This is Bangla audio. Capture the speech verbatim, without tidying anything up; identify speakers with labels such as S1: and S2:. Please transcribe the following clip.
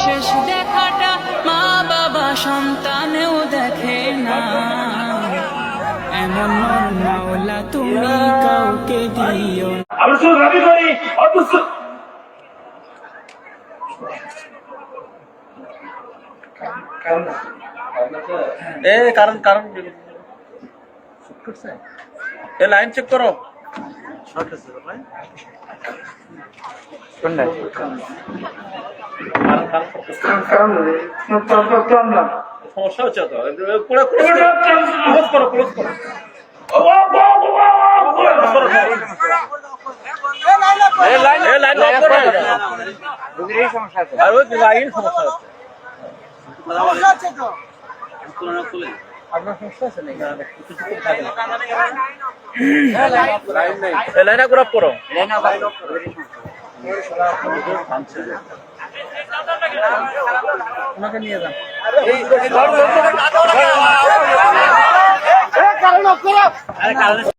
S1: শেষ দেখাটা মা বাবা সন্তানেও দেখে না, এমন মন মাওলা তুমি কাউকে দিও না।
S2: আমরা শুধু দাবি করি অথচ
S3: এ কারণ কারণ এ লাইন চেক করো। সমস্যা হচ্ছে তো ক্লোজ করো ক্লোজ করো লাইন লক করো। আর ওই লাইন সমস্যা হচ্ছে। আপনার সমস্যা আছে নাকি? লাইন আপ করো। ওনাকে নিয়ে যান।